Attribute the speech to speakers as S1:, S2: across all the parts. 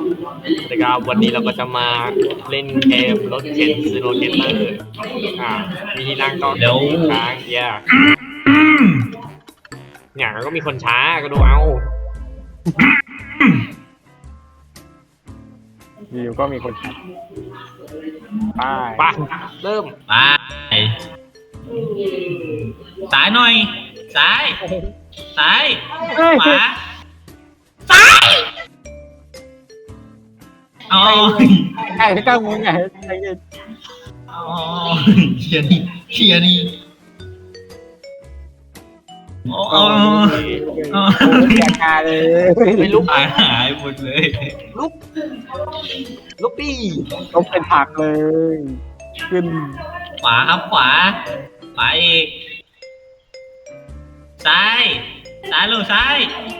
S1: นะครับวันนี้เราก็จะมาเล่นเกมรถเข็นซีโรเกเตอร์มีที่นั่งก็เดี๋ยวค้างเนี่ยก็มีคนช้าก็ดูเอา
S2: อยู่ก็มีคนขับ
S1: ไปเริ่ม
S3: ไปซ้ายหน่อยซ้ายขวาซ้ายอ๋อ
S2: ไอ้ก้าวมึงไงไอ้
S3: อ๋อเชียร์นี่โอ้
S2: แกกาเลย
S1: ไม่ลุก
S3: หายหมดเลย
S1: ลุกดิ
S2: ลุกเป็นผักเลยขึ้น
S3: ขวาครับขวาอีกซ้ายลูกซ้าย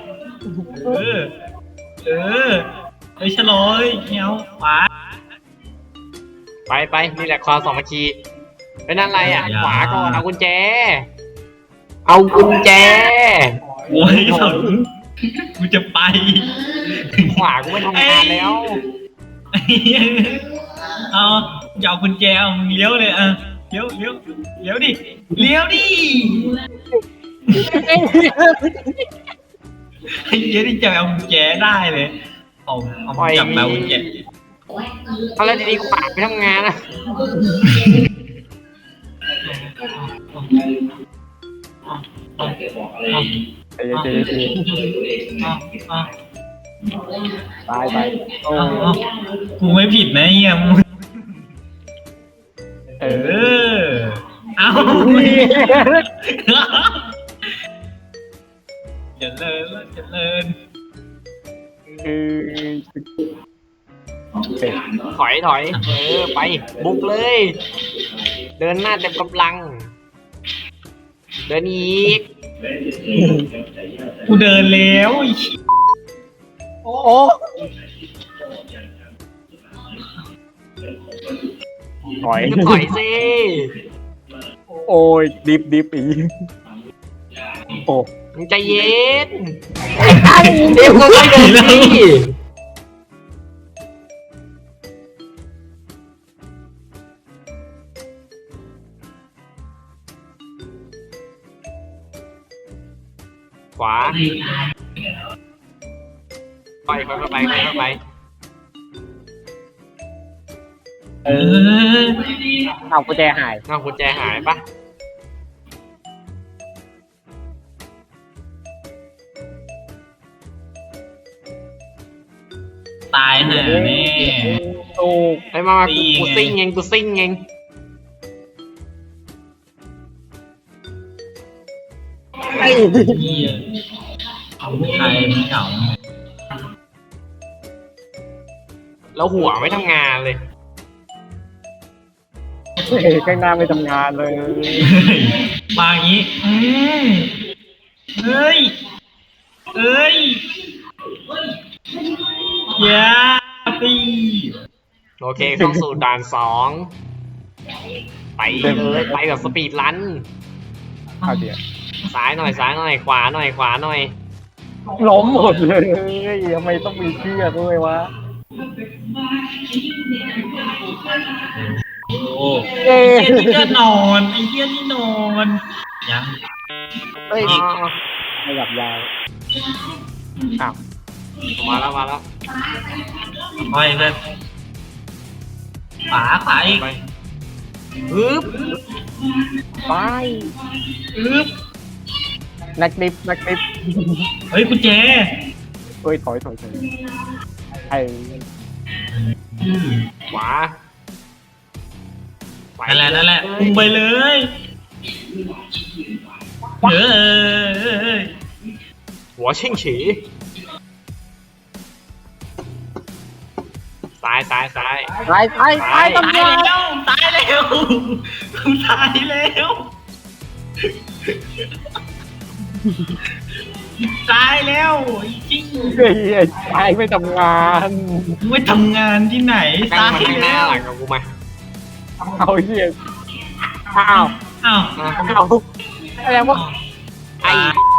S3: ไปชะลอยเงี้ยวขวา
S1: ไปนี่แหละความสามัคคีเป็นอะไรขวาก่อนเอากุญแจโอ้ย
S3: กูจะไป
S1: ขวากูไม่ทำงานแล้ว
S3: เอาจะเอากุญแจมึงเลี้ยวเลยเลี้ยวดิไอ้เหี้ยนี่จะเอากุญแจได้เลยเอาจับแล้วกุญแจ
S1: เอาแล้วดีๆขวาไปทำงาน
S2: ไป
S3: กูไม่ผิดนะเฮียเอาเจริญ
S1: ถอยไปบุกเลยเดินหน้าเต็มกำลังเดินอีก
S3: กูเดินแล้ว
S2: โอ้ถอย
S1: สิ
S2: โอ้ยดิบอีโอ้
S1: มึงใจเย็นเดี๋ยวก็เดินสิขวาไป
S2: เอากุญแจหาย
S1: ปะ
S3: ตายหาแน่
S2: โอ้
S1: ไอ้มากูซิ่งเอง
S3: ไอ้เหี้ยใครไม่เก่า
S1: แล้วหัวไม่ทำงานเลย
S2: ข้างหน้าไม่ทำงานเลย
S3: มาอย่างนี้เฮ้ยอย่าปี
S1: โอเคเข้าสู่ด่าน2ไปเลยไปแบบสปีดรัน
S2: เอาเดี๋ยว
S1: ซ้ายหน่อยขวาหน่อย
S2: ล้มหมดเลยทำไมต้องมีเชือกด้วยวะ
S3: โอ้ไอ้เหี้ยนี่ก็นอนยัง
S2: ไม่หลับยาว
S1: มาแล้ว
S3: ไปเลยขวาอีก
S2: ไปนักดิบ
S3: เฮ้ยกุญแจ
S2: เฮ้ยถอยไอ้
S1: ขวา
S3: นั่นแหละพุ่งไปเลย
S1: หัวเช่งฉีซ้ายตาย
S3: แล้วจริง
S2: ตายไม่ทำงาน
S3: ที่ไหน
S1: ตายหน้าหลังกับกูมา
S2: เอาเหี้ยอะไรวะไอ้